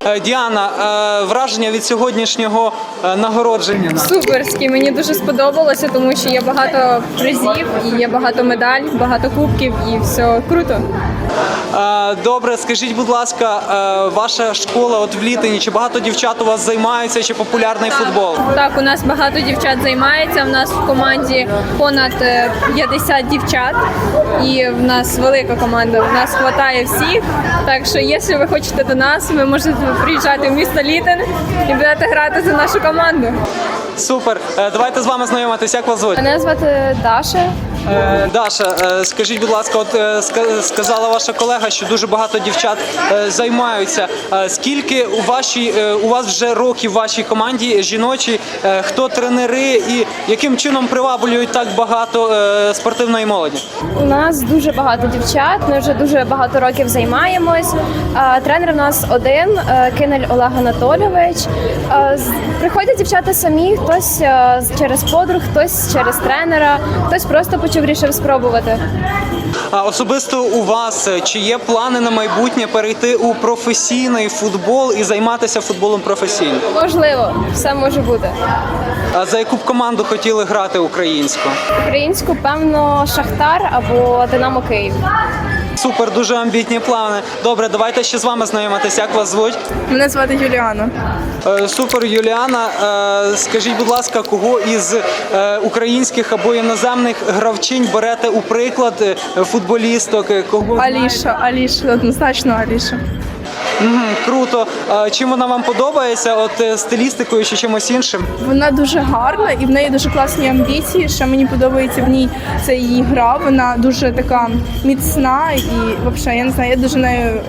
Діана, враження від сьогоднішнього нагородження? Суперські, мені дуже сподобалося, тому що є багато призів, і є багато медалей, багато кубків і все круто. Добре, скажіть, будь ласка, ваша школа от в Літині, чи багато дівчат у вас займаються, чи популярний футбол? Так, у нас багато дівчат займається, в нас в команді понад 50 дівчат, і в нас велика команда, в нас хватає всіх, так що, якщо ви хочете до нас, ви можете приїжджати в місто Літин і будете грати за нашу команду. Супер, давайте з вами знайомитись, як вас звуть? Мене звати Даша. Даша, скажіть, будь ласка, от сказала ваша колега, що дуже багато дівчат займаються. Скільки у вас вже років в вашій команді жіночій, хто тренери і яким чином приваблюють так багато спортивної молоді? У нас дуже багато дівчат, ми вже дуже багато років займаємось. Тренер у нас один, Кинель Олег Анатолійович. Приходять дівчата самі, хтось через подруг, хтось через тренера, хтось просто вирішив спробувати. А особисто у вас чи є плани на майбутнє перейти у професійний футбол і займатися футболом професійно? Можливо, все може бути. А за яку б команду хотіли грати українську? Українську, певно, Шахтар або Динамо Київ. Супер, дуже амбітні плани. Добре, давайте ще з вами знайомитися. Як вас звуть? Мене звати Юліана. Супер, Юліана. Скажіть, будь ласка, кого із українських або іноземних гравчинь берете у приклад футболісток? Аліша, однозначно Аліша. Круто. Чим вона вам подобається? От стилістикою чи чимось іншим? Вона дуже гарна і в неї дуже класні амбіції. Що мені подобається в ній, це її гра. Вона дуже така міцна і взагалі, я не знаю, я дуже нею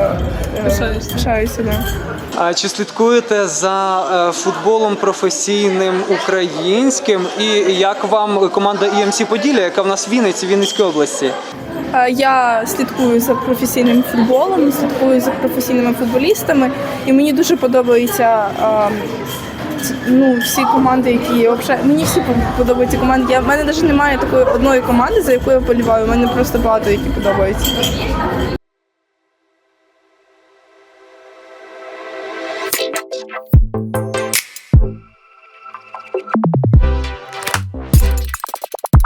пишаюся. А чи слідкуєте за футболом професійним українським? І як вам команда EMC Поділля, яка в нас в Вінниці, Вінницькій області? Я слідкую за професійним футболом, слідкую за професійними футболістами, і мені дуже подобаються всі команди, які мені всі подобаються команди. В мене навіть немає такої одної команди, за яку я вболіваю. У мене просто багато які подобаються.